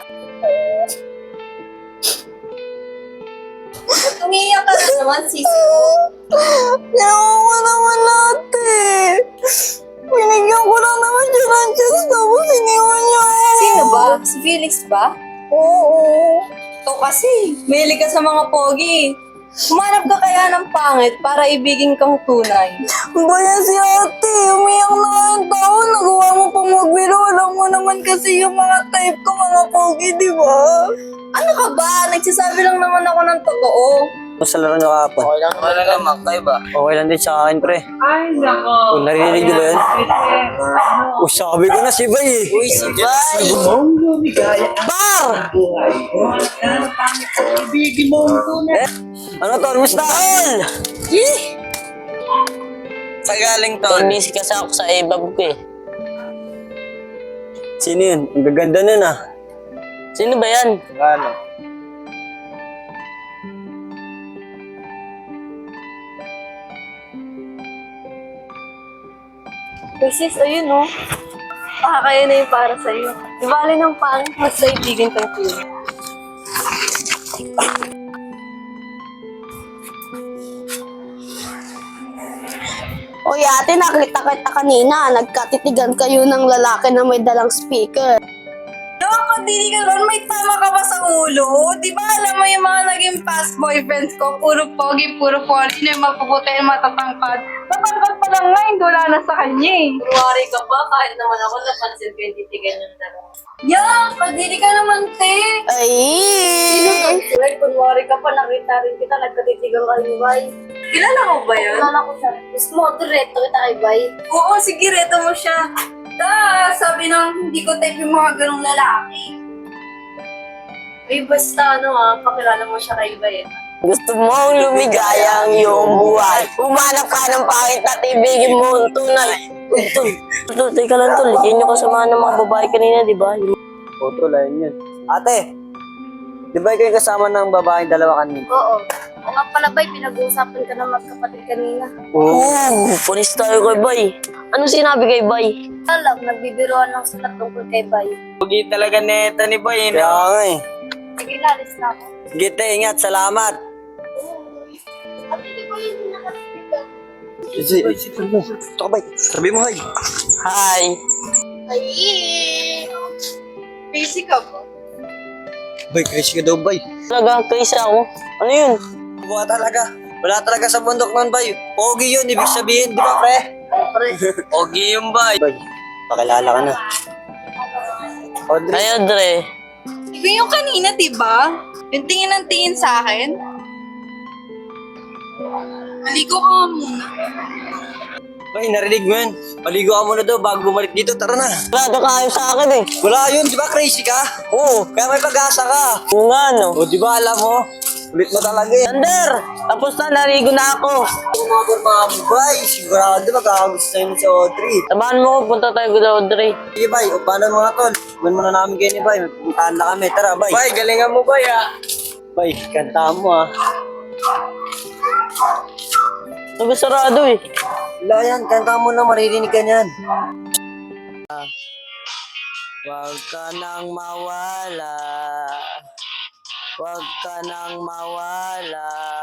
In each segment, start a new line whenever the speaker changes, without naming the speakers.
Umiiyak ka na naman, sisi ko.
Ginawa ko naman ate. Binigyan ko lang naman siya ng chance tapos iniwan niya ako.
Sino ba? Si Felix ba?
Oo.
Ikaw kasi, mahilig ka sa mga pogi. Humanap ka kaya ng pangit para ibigin kang tunay.
Baya si ate, umiyak na nga yung tao. Nagawa mo pang magbiro. Alam mo naman kasi yung mga type ko, mga pogi, di ba?
Ano ka ba? Nagsasabi lang naman ako ng totoo.
Sa laro nyo kahapon.
Okay lang, Makay ba?
Okay lang din sa akin, pre.
Ay, nako.
Kung narinig nyo ba yun? Sabi ko na si Bay eh.
Uy, si Bay!
Mong lumigaya ang
Bar!
buhay. Ang pangit sa ibigin mo ang tunay.
Ano to? Musta?
Sa galing to.
Busy kasi ako sa ibab ko eh.
Sino yun? Ang gaganda nun ah.
Sino ba yan?
Ano?
Sis, ayun oh. Kaya na yung para sa'yo. Di bali ng pangit, mas ibigin kang tunay.
Oy ate, nakita kita kanina. Nagkatitigan kayo ng lalaki na may dalang speaker.
Dapat dili ka ron, may tama ka ba sa ulo? Di ba alam mo yung mga naging past boyfriends ko, puro pogi, puro poly, na yung mapuputi, yung matatangkad. Matangkad pa lang nga, hindi wala na sa kanya eh. Kunwari ka pa, kahit naman ako napansin ko yung titigan yung dalawa. Yeah, kadiri ka naman, te.
Ay!
Well, kunwari ka pa, nakita rin kita, nagkatitigan ka ni Bay. Kilala mo ba yun? Kilala ko siya. Gusto mo, direto kita kay Bay. Oo, sige, reto mo siya. Sabi nang hindi ko type yung mga ganong lalaki. Eh, basta pakilala mo siya kay Bay.
Gusto mong lumigaya ang iyong buhay. Humanap ka ng pangit at ibigin mo ang tunay. Tol, teka lang tol. Yan yung kasama ng mga babae kanina, di ba?
O, tol, ayun yun. Ate, di ba ikaw yung kasama ng babaeng dalawa kanina?
Oo. O nga pala, Bay, pinag-uusapan ka ng magkapatid kanina.
Oo, pulis tayo kay Bay. Ano sinabi kay Bay?
Alam, nagbibiroan lang sila tungkol kay Bay.
Pugi talaga neta ni Bay,
Kaya
no?
nga eh.
Sige, lalis na ako.
Sige, te, ingat. Salamat.
At hindi ko yun nakasigan.
Ito ka, Bay. Sabi mo, hay.
Hi.
Ay, busy ka ba?
Bay, crazy ka daw, Bay.
Talaga, crazy ako. Ano yun?
Wala talaga. Wala talaga sa bundok nun, Bay. Pogi yun, ibig sabihin, di ba, pre?
Pogi yung Bay.
Bay, pakilala ka na. Audrey.
Ay, Audrey.
Ikaw yung kanina, diba? Yung tingin ng tingin sa akin. Maligo ka nga muna.
Bay, narinig mo yun. Maligo ka muna daw bago bumalik dito. Tara na.
Wala ka ayaw sa akin eh.
Wala yun, di ba crazy ka? Oo, kaya may pag-asa ka.
Oo nga, no?
O, di ba alam mo? Ulit mo talaga eh.
Sander! Tapos na, narigo na ako.
Mga Bay, sigurado magkakagusto sa'yo ni si Audrey.
Samahan mo ko, punta tayo kay Audrey.
Sige, Bay, o paano mga tol? Iwan mo na namin kayo ni Bay. May pupuntahan na kami. Tara, Bay.
Bay, galingan mo, Bay, ah.
Bay, kanta mo ah.
Nagsarado eh.
Wala yan, kanta mo na, maririnig ka niyan. Huwag ka nang mawala. Huwag ka nang mawala.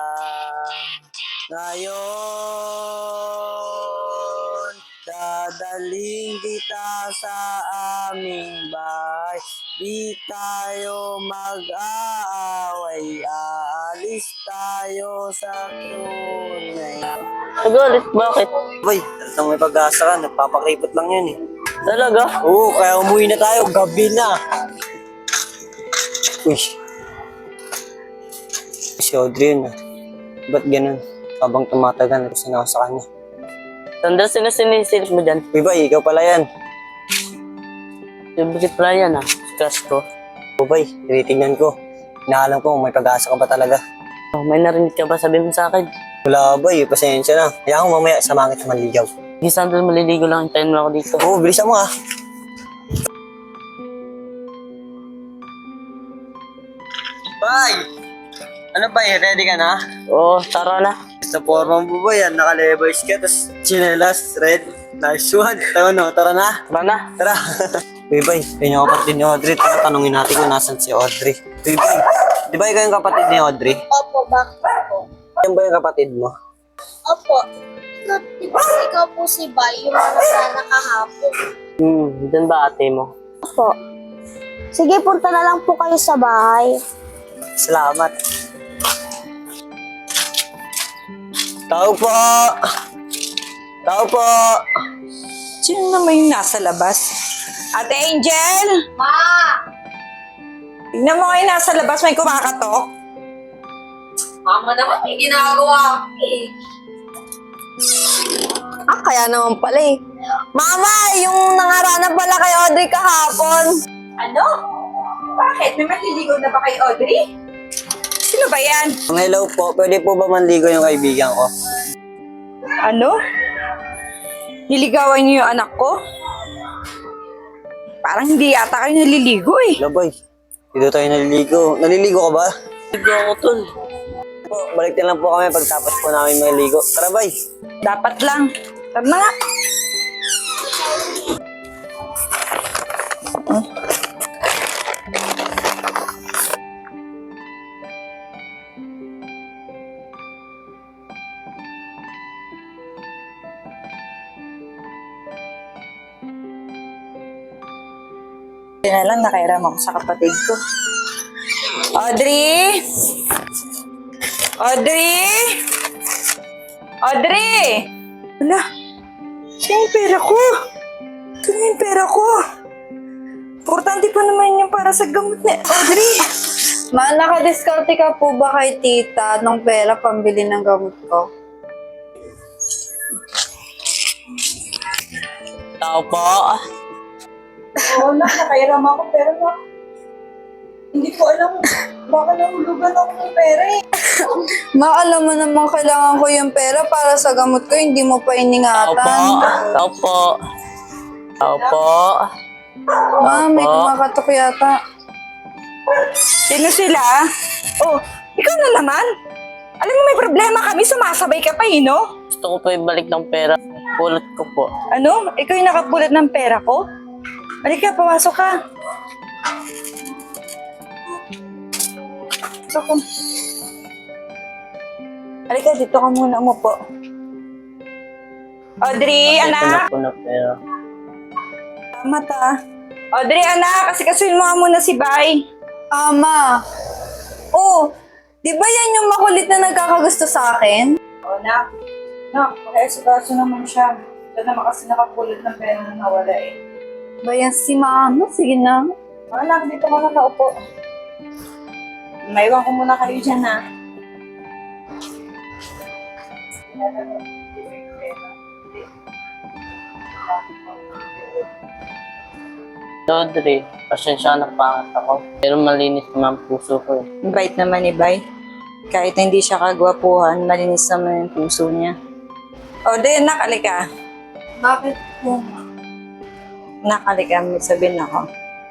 Ngayon, dadaling kita sa aming bahay. Di tayo mag-aaway. Aalis tayo sa tunay.
Nagalit, bakit?
Boy, talagang may pag-asa ka. Nagpapakripot lang yun eh.
Talaga?
Oo, kaya umuwi na tayo. Gabi na. Uy. Si Audrey yun ah. Ba't ganun? Habang tumatagal, gusto na ako sa kanya.
Sander, sino sinisilip mo dyan?
Uy, Bay, ikaw pala yan.
Favorite pala yan ah. Crush ko.
O, Bay, tinitingnan ko. Inaalam ko kung may pag-asa ka ba talaga.
Oh, may narinig ka ba? Sabihin mo sa akin.
Wala, Bay. Pasensya na. Kaya ako mamaya samahan kita manligaw.
Sige, Sander, maliligo lang. Hintayin mo ako dito.
Oo, bilisan mo ah.
Bay! Ano, Bay? Ready ka na?
Oo, tara na.
Sa forma mo ba yan? Naka-levers ka, tapos chinelas, red. Nice one. Tara no, tara na.
Tara na.
Tara. Uy, Bay, yun yung kapatid ni Audrey. Tara, tanungin natin kung nasan si Audrey. Uy, Bay, di ba ikaw yung kapatid ni Audrey?
Opo, bakit po?
Yan ba yung kapatid mo?
Opo. Ikaw po si Bay, yung mga sana kahapon.
Doon ba ate mo?
Po. Sige, punta na lang po kayo sa bahay.
Salamat. Tao po! Tao po!
Sino naman yung nasa labas? Ate Angel!
Ma!
Tignan mo kayo nasa labas, may kumakatok.
Mama naman, may ginagawa ako eh.
Kaya naman pala eh. Mama, yung nangarana pala kay Audrey kahapon.
Ano? Bakit? May maliligaw na ba kay Audrey? Sino ba yan?
Hello po, pwede po ba manligo yung kaibigan ko?
Ano? Niligawan niyo yung anak ko? Parang hindi yata kayo naliligo eh.
Hello, boy. Dito tayo naliligo. Naliligo ka ba?
Ligo ako tol.
Po, balik na lang po kami pagtapos po namin maligo. Tara, bay.
Dapat lang. Tara na nga. Hindi na lang nakairam ako sa kapatid ko. Audrey! Audrey! Audrey! Wala. Ito yung pera ko. Ito na yung pera ko. Importante pa naman yung para sa gamot ni Audrey.
Ma, nakadiskarte ka po ba kay tita ng pera pambili ng gamot ko?
Tao po.
Oo na, nakairam ako pero hindi ko alam baka nahulugan ako ng pera eh.
Ma, alam mo naman kailangan ko yung pera para sa gamot ko, hindi mo pa
Tao po.
iningatan.
Tao po. Tao po.
Ma, may kumakatok yata.
Sino sila? Oh, ikaw na naman. Alam mo may problema kami, sumasabay ka pa eh, no?
Gusto ko po ibalik ng pera. Pulot ko po.
Ano? Ikaw yung nakapulat ng pera ko? Halika, pawasok ka. Pasok ka. Halika, dito ka muna umupo. Audrey,
Ito na
anak!
po na pera.
Tama ta. Audrey, anak! Kasi kasuin mo nga muna si Bay.
Ma. Oh, di ba yan yung makulit na nagkakagusto sa akin?
O, nak. Nak, makaesikaso naman siya. Siya naman kasi nakapulat ng pera na nawala eh.
Ba yan si mama? Sige na.
Anak, dito ka na naupo. Maiwan ko muna kayo dyan, ha?
Audrey, pasensya na pangat ako. Pero malinis naman ang puso ko eh.
Bait naman ni Bay. Kahit na hindi siya kagwapuhan, malinis naman yung puso niya. O, di, nakalika.
Bakit po?
Nakalika, may sabihin ako.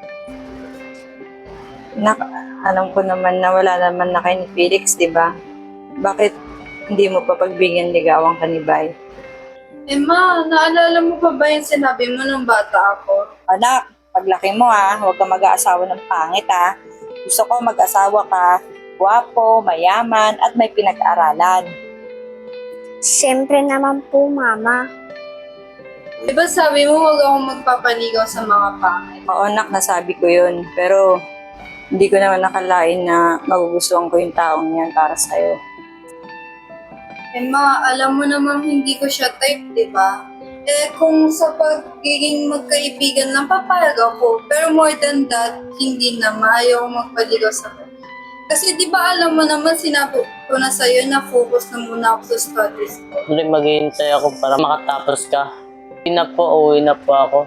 Alam ko naman na wala naman na kay ni Felix, di ba? Bakit hindi mo pa pagbigyan ligawan ka ni Bay?
Ma, naalala mo pa ba yung sinabi mo nung bata ako?
Anak, paglaki mo huwag ka mag-aasawa ng pangit Gusto ko mag-asawa ka, gwapo, mayaman, at may pinag-aralan.
Siyempre naman po, mama. Di ba sabi mo huwag akong magpapaligaw sa mga pangit?
Oo, anak, nasabi ko yun. Pero hindi ko naman nakalain na magugustuhan ko yung taong yan para sa'yo.
Ma, alam mo namang hindi ko siya type, di ba? Kung sa pagiging magkaibigan lang, papayag ako. Pero more than that, hindi na ayaw magpaligaw sa kanya. Kasi di ba alam mo naman, sinabi ko na sa'yo na focus na muna ako sa studies ko.
Audrey, maghihintay ako para makatapos ka. Uwi na po ako.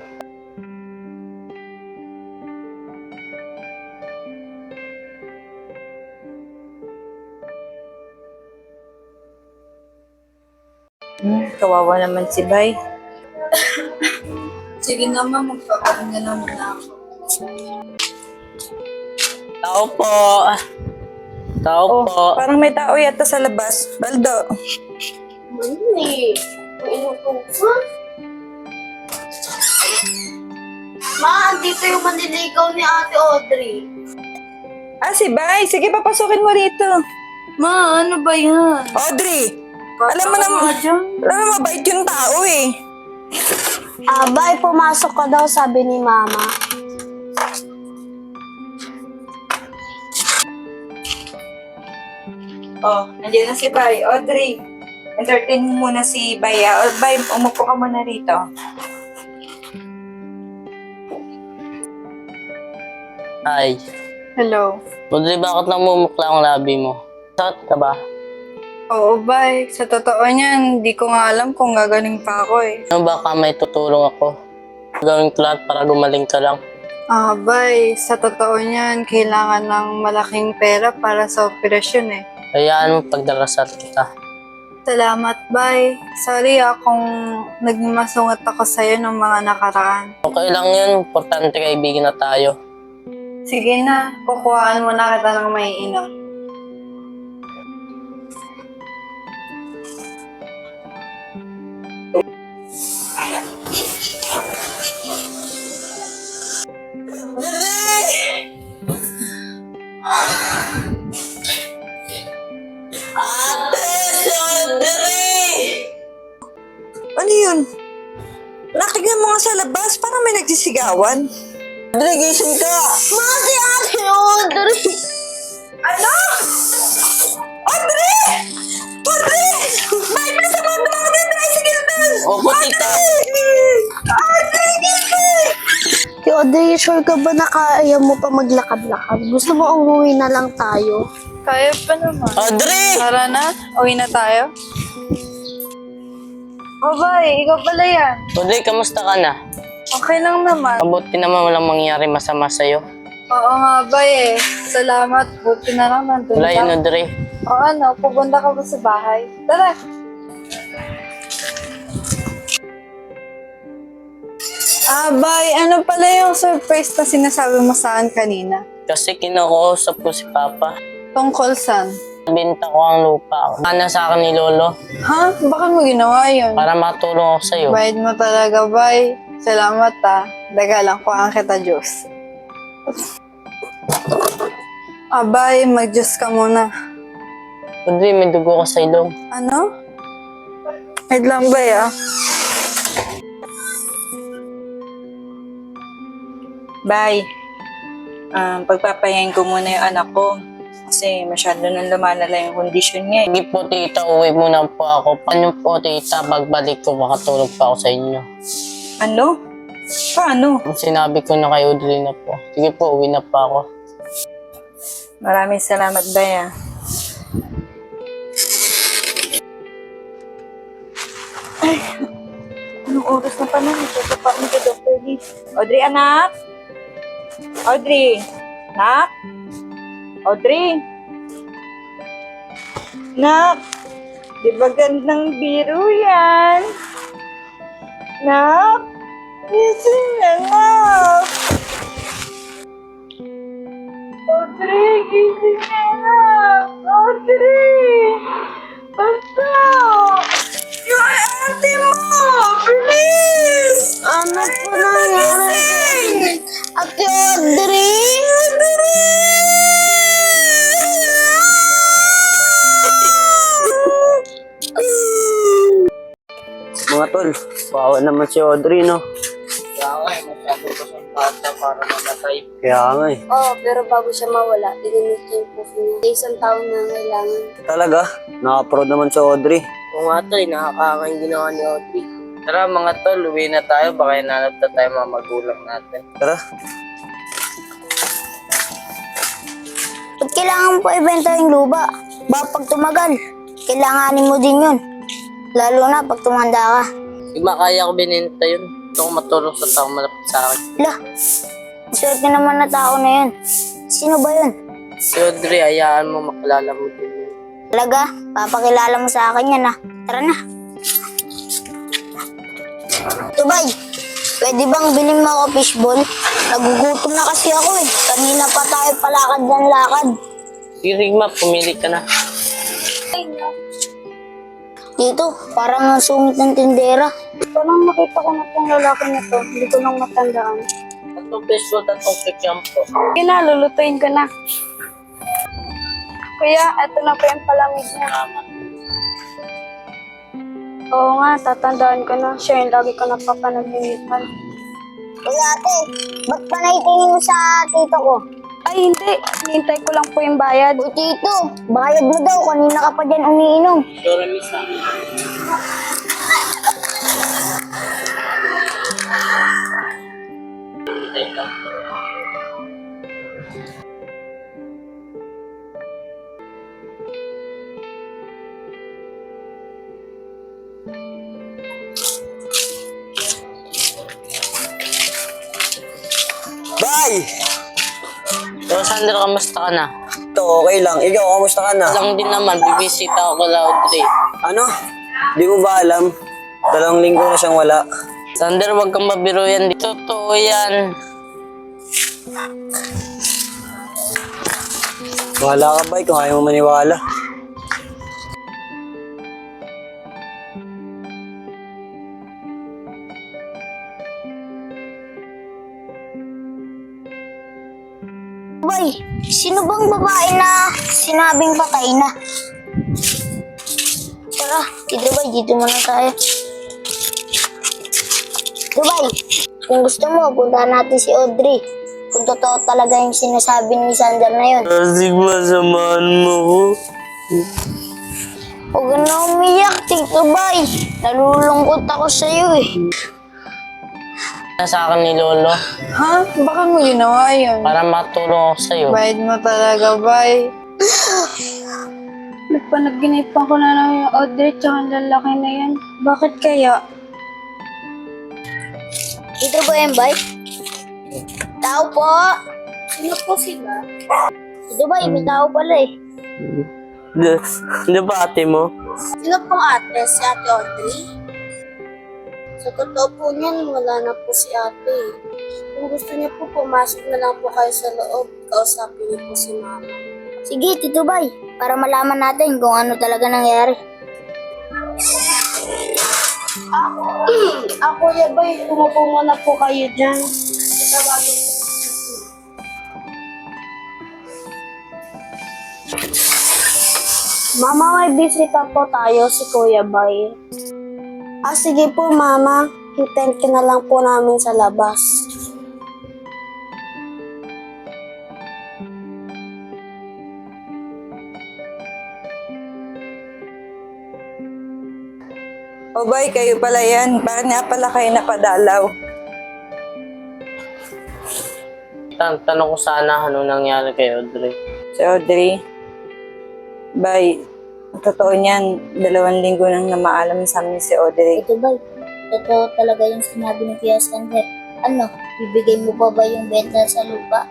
Kawawa naman si Bay.
Sige naman, magpapahinga na muna ako.
Tao po. Tao
Oh,
po.
parang may tao yata sa labas. Baldo.
Mali. May inutusan. Ma, andito yung manliligaw ni Ate Audrey.
Ah, si Bay. Sige, papasukin mo rito.
Ma, ano ba yan?
Audrey! Alam mo naman, mabait yung tao eh.
Abay, pumasok ka daw, sabi ni Mama.
Oh, nandiyan na si Bay. Audrey, entertain mo muna si Bay. Bay, umupo ka muna rito.
Ay,
Hello.
Audrey, bakit namumukla ang labi mo? Sakit ka ba?
Oo, Bay. Sa totoo niyan, di ko nga alam kung gagaling pa ako eh.
Ano baka may tutulong ako? Gawin ko lahat para gumaling ka lang.
Ah, Bay. Sa totoo niyan, kailangan ng malaking pera para sa operasyon eh.
Hayaan mo pagdarasal kita.
Salamat, Bay. Sorry kung naging masungat ako sa'yo ng mga nakaraan.
Okay lang yun, importante kaibigan na tayo.
Sige na, kukuhaan mo na kita ng maiinom.
Ano yun? Nakinggan mo nga sa labas, parang may nagsisigawan.
Audrey, gising ka!
Mati, Ate Audrey!
Ano? Audrey! Audrey! Bay, nasa mga tumakot yung tricycle doon!
Opo, tita.
Audrey, gising!
Ate Audrey, sure ka ba na kaya mo pa maglakad-lakad? Gusto mo umuwi na lang tayo?
Kaya pa naman.
Audrey!
Tara na, uwi na tayo. Oh, Bay, ikaw pala yan.
Audrey, kamusta ka na?
Okay lang naman.
Mabuti naman walang mangyari masama sa'yo.
Oo nga, Bay eh. Salamat, buti na lang nandun
Wala yun,
ka.
Audrey.
O ano, pupunta ka ba sa bahay? Tara. Ah, Bay, ano pala yung surprise na sinasabi mo sa akin kanina?
Kasi kinukuusap ko si Papa.
Tungkol saan?
Binta ko ang lupa. Sana sa akin ni Lolo
Ha? Bakit mo ginawa yun?
para matulong ako sa'yo.
Bayad mo talaga, Bay. Salamat Dagalang ko ang kita, Diyos. Bay, mag-Diyos ka muna.
Audrey, may dugo ka sa ilong.
Ano? Wait lang, Bay
Bay, pagpapahingain ko muna yung anak ko. Kasi masyado nang lumalala yung kondisyon niya.
Sige po, tita, uwi muna po ako. Paano po, tita, pagbalik ko, makatulog pa ako sa inyo.
Ano? Paano?
Sinabi ko na kay Audrey na po. Sige po, uwi na pa ako.
Maraming salamat, Bay. Anong oras na pa na? Ito pa ako sa Dr. Lee. Audrey, anak? Audrey? Anak? Audrey? Nak? Di ba gandang biro yan? Nak? Gising na, Nak! Audrey, gising na, Nak! Audrey! Basta! Yung ate mo! Bilis!
Ano po nangyari? Ate Audrey?
Mga tol, bawa naman si Audrey, no?
Kaya nga, masyado ko sa bata para mamatay.
Kaya nga eh.
Oo, pero bago siya mawala, dinamit niya yung proof niya. Isang taon na kailangan.
Talaga, naka-proud naman si Audrey.
Kung nga tol, nakakanga yung ginawa ni Audrey. Tara mga tol, uwi na tayo. Baka hinanap na tayo mga magulang natin.
Tara.
Ba't kailangan mo pa ibenta yung lupa? Baka pag tumagal, kailanganin mo din yun. Lalo na pag tumanda ka.
Di ba kaya ko bininta yun? Gusto ko matulong sa taong malapit sa akin.
Lah, swerte naman na tao na yun. Sino ba yun?
Si Audrey, hayaan mo makilala mo din yun.
Talaga, papakilala mo sa akin yan Tara na. Tubay, pwede bang bilhin mo ako fishball? Nagugutom na kasi ako eh. Kanina pa tayo palakad ng lakad.
Sige, Rigma, pumili ka na.
Dito, parang ang sungit ng tindera. Parang makita ko na tong lalaki na to. Hindi ko lang matandaan.
toothpaste po, tatlong cake shampoo.
Sige na, lulutuin ko na. Kuya, eto na po yung palamig niya.
Salamat.
Oo nga, tatandaan ko na. Siya yung lagi ko napapanaginipan.
Kuya ate, ba't pa naitingin mo sa tito ko?
Ay, hindi. Hintay ko lang po yung bayad.
O tito, bayad mo daw, kanina ka pa dyan umiinom.
Sure, miss ah. Teka.
Bay!
So, Sander, kamusta ka na?
Ito, okay lang. Ikaw, kamusta ka na?
Lang din naman, bibisita ako kay Audrey.
Ano? Di mo ba alam? 2 linggo na siyang wala.
Sander, wag kang mabiro yan. Totoo yan.
Wala ka, Bay, kung ayaw mo maniwala.
Bay, sino bang babae na sinabing patay na? Tara, dito Bay, dito muna tayo. Bay, kung gusto mo, puntahan natin si Audrey. Kung totoo talaga yung sinasabi ni Sander na yun.
Asig, masamahan mo ko.
Huwag ka na umiyak, Tito Bay. Nalulungkot ako sa'yo eh.
Sa akin ni Lolo,
Ha? Baka mo ginawa yun?
para matulong ako sa'yo.
Bayad mo talaga, Bay.
Nagpanaginipan ko na lang yung Audrey tsaka ang lalaki na yan. Bakit kaya?
Dito ba yan, Bay? Tao po!
Sino po sila?
Dito Bay, may tao pala eh.
Di ba ate mo?
Sino pong ate? Si Ate Audrey? Sa totoo po niyan, wala na po si ate. Kung gusto niya po, pumasok na lang po kayo sa loob. Kausapin niyo po si Mama. Sige, Tito Bay, para malaman natin kung ano talaga nangyari.
Ako ya bay, umupo muna po kayo dyan. Mama, may bisita po tayo si Kuya Bay. Sige po, Mama. Hintayin ka na lang po namin sa labas.
O Bay, kayo pala yan. Bakit nga pala kayo napadalaw?
Tanong ko sana ano nangyari kay Audrey.
Si Audrey. Bay, ang totoo niyan, 2 linggo nang namaalam sa amin si Audrey.
Tito Bay, totoo talaga yung sinabi ni Kuya Sander. Ano, bibigay mo pa ba yung benta sa lupa?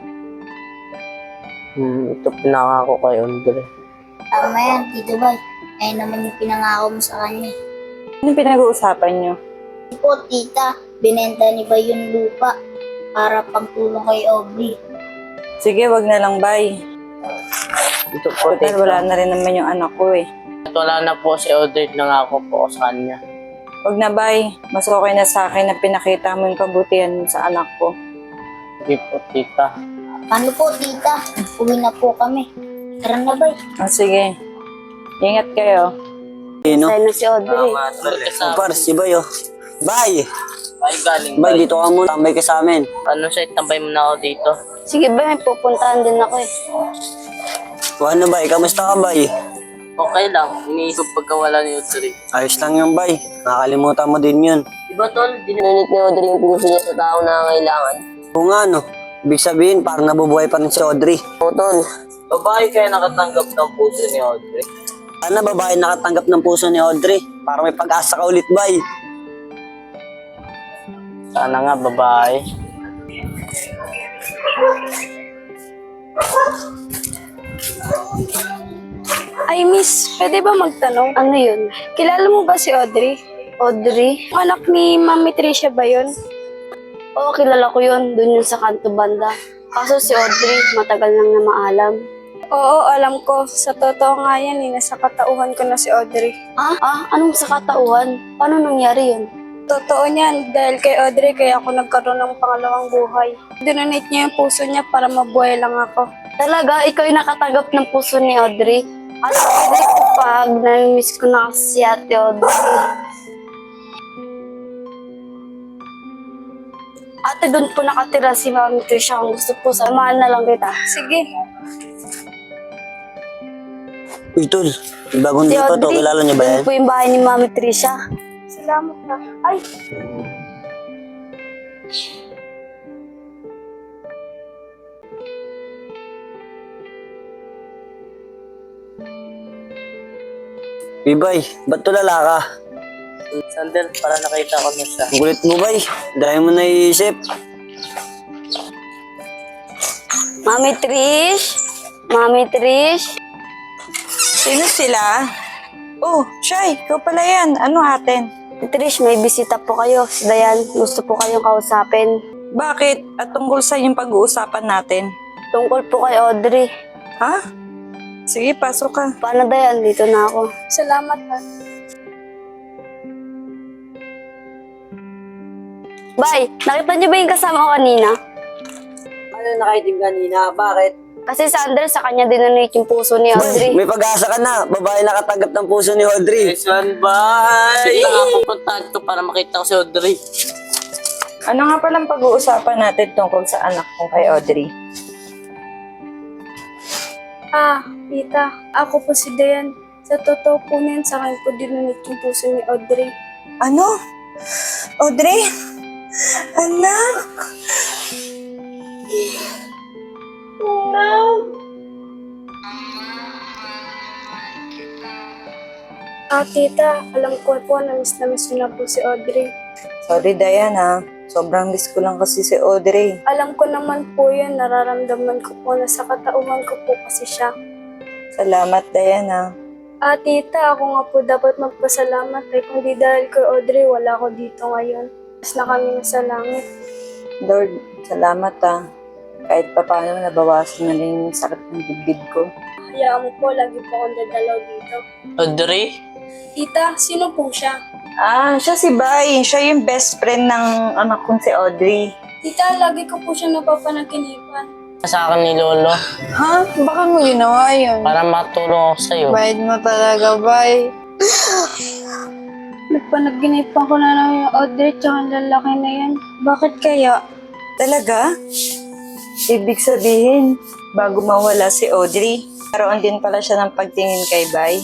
Ito pinangako kay Audrey.
Tama yan, Tito Bay. Ayun naman yung pinangako mo sa kanya.
Anong pinag-uusapan niyo?
Po, tita, binenta ni Bay yung lupa para pangtulong kay Aubrey.
Sige, wag na lang, Bay.
Ito po,
Total,
tita.
wala na rin naman yung anak ko eh.
At wala na po si Audrey, nangako po ako sa kanya.
Wag na, Bay. Mas okay na sa akin na pinakita mo yung kabutihan sa anak ko.
Sige po, tita.
Paano po, tita? Uwi na po kami. Tara na, Bay.
Sige. Ingat kayo.
Sino?
Tayo na si Audrey.
O, par, si Bay, oh. Bay!
Ay, galing
Bay,
ba?
dito ka muna. Tambay ka sa amin.
Ano siya, tambay mo na ako dito.
Sige ba, may pupuntahan din ako eh.
O ano, Bay? Kamusta ka, Bay?
Okay lang, iniisip pagkawala ni Audrey.
Ayos lang yung Bay. Nakakalimutan mo din yun.
Diba tol, dinunit ni Audrey yung puso niya sa tao na kailangan.
Kung nga, no? Ibig sabihin, parang nabubuhay pa rin si Audrey.
O tol, babae kaya nakatanggap ng puso ni Audrey.
Sana babae nakatanggap ng puso ni Audrey. Para may pag-asa ka ulit, Bay.
Sana nga babae.
Ay, miss, pwede ba magtanong? Ano yun? Kilala mo ba si Audrey? Audrey? Anak ni Mami Tricia ba yun? Oo, kilala ko yun. Doon yun sa kanto banda. Kaso si Audrey, matagal nang na maalam. Oo, alam ko. Sa totoo nga yan, nasa katauhan ko na si Audrey. Ah? Anong sa katauhan? Paano nangyari yun?
Totoo niyan, dahil kay Audrey, kaya ako nagkaroon ng pangalawang buhay. Dinonate niya yung puso niya para mabuhay lang ako.
Talaga, ikaw yung nakatanggap ng puso ni Audrey. At Audrey ko pag nami-miss ko na kasi si Ate Audrey. Ate, doon po nakatira si Mami Trisha. Kung gusto po, samahan na lang kita.
Sige.
Uy, tol. Bagong
Si
dito to.
Audrey,
Kilala niyo ba yan?
doon po yung bahay ni Mami Trisha.
Salamat na.
Ay,
Bibay, ba't tulala ka?
Sander, para nakita ko na siya.
Ang kulit mo, bay. Dahil mo naiisip.
Mami Trish? Mami Trish?
Sino sila? Oh, Shy, ikaw pala yan. Ano atin?
Trish, may bisita po kayo. Si Dayan, gusto po kayong kausapin.
Bakit? At tungkol sa yung pag-uusapan natin.
Tungkol po kay Audrey.
Ha? Sige, pasok ka.
Paano Dayan? Dito na ako.
Salamat ha.
Bay, nakita niyo ba yung kasama ko kanina?
Ano nakaitim kanina? Bakit?
Kasi si Ander, sa kanya dinonate yung puso ni Audrey.
May pag-asa ka na. Babae nakatanggap ng puso ni Audrey.
Yes, one bye! Nakapupuntahan ko para makita ko si Audrey.
Ano nga palang pag-uusapan natin tungkol sa anak kong kay Audrey?
Tita, ako po si Dayan. Sa totoo po niyan, sa akin po dinonate yung puso ni Audrey.
Ano? Audrey? Anak?
Tita, alam ko po na miss na po si Audrey.
Sorry, Diana. Sobrang miss ko lang kasi si Audrey.
Alam ko naman po yan, nararamdaman ko po na sa katauhan ko po kasi siya.
Salamat, Diana.
Tita, ako nga po dapat magpasalamat kung di dahil kay Audrey, wala ako dito ngayon. Mas na kami sa langit.
Lord, salamat Kahit pa paano nabawasan na rin yung sakit ng dibdib ko.
Hayaan mo po, lagi po akong dadalaw dito.
Audrey?
Tita, sino po siya?
Siya si Bay. Siya yung best friend ng anak kong si Audrey.
Tita, lagi ko po siya napapanaginipan.
Sa akin ni Lolo.
Ha? Baka mo ginawa yun?
Para matulong ako sa'yo.
Bayad mo talaga, Bay. Nagpanaginipan ko na lang yung Audrey tsaka ang lalaki na yan. Bakit kaya?
Talaga? Ibig sabihin, bago mawala si Audrey, karoon din pala siya ng pagtingin kay Bay.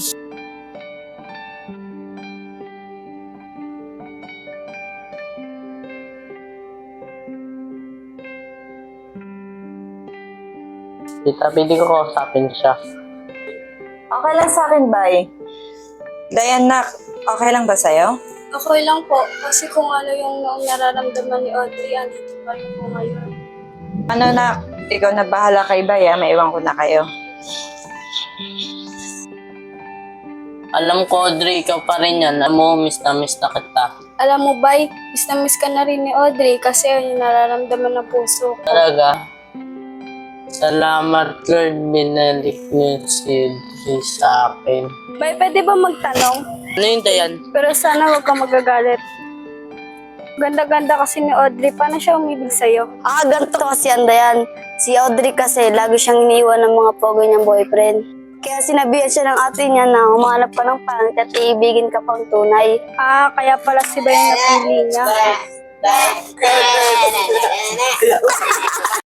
Tita, pwede ko kausapin siya.
Okay lang sa akin, Bay. Diana, okay lang ba sa'yo?
Okay lang po, kasi kung ano yung nararamdaman ni Audrey, andito pa rin po ngayon.
Ano na, ikaw na bahala kay Bay, maiwan ko na kayo.
Alam ko, Audrey, ikaw pa rin yan. Alam mo, miss na kita.
Alam mo, Bay, miss na miss ka na rin ni Audrey kasi yun yung nararamdaman ng puso ko.
Talaga. Salamat, Lord. Binalik niyo si Audrey sa akin.
Bay, pwede ba magtanong?
Ano yun, Dayan?
Pero sana huwag kang magagalit. Ganda-ganda kasi ni Audrey. Paano siya umibig sa'yo?
Ganito kasi ang Dayan. Si Audrey kasi, lagi siyang iniwan ng mga pogo niyang boyfriend. Kaya sinabihan siya ng ate niya na humanap ka ng pangit at iibigin ka pang tunay.
Kaya pala si Bay ang napili niya.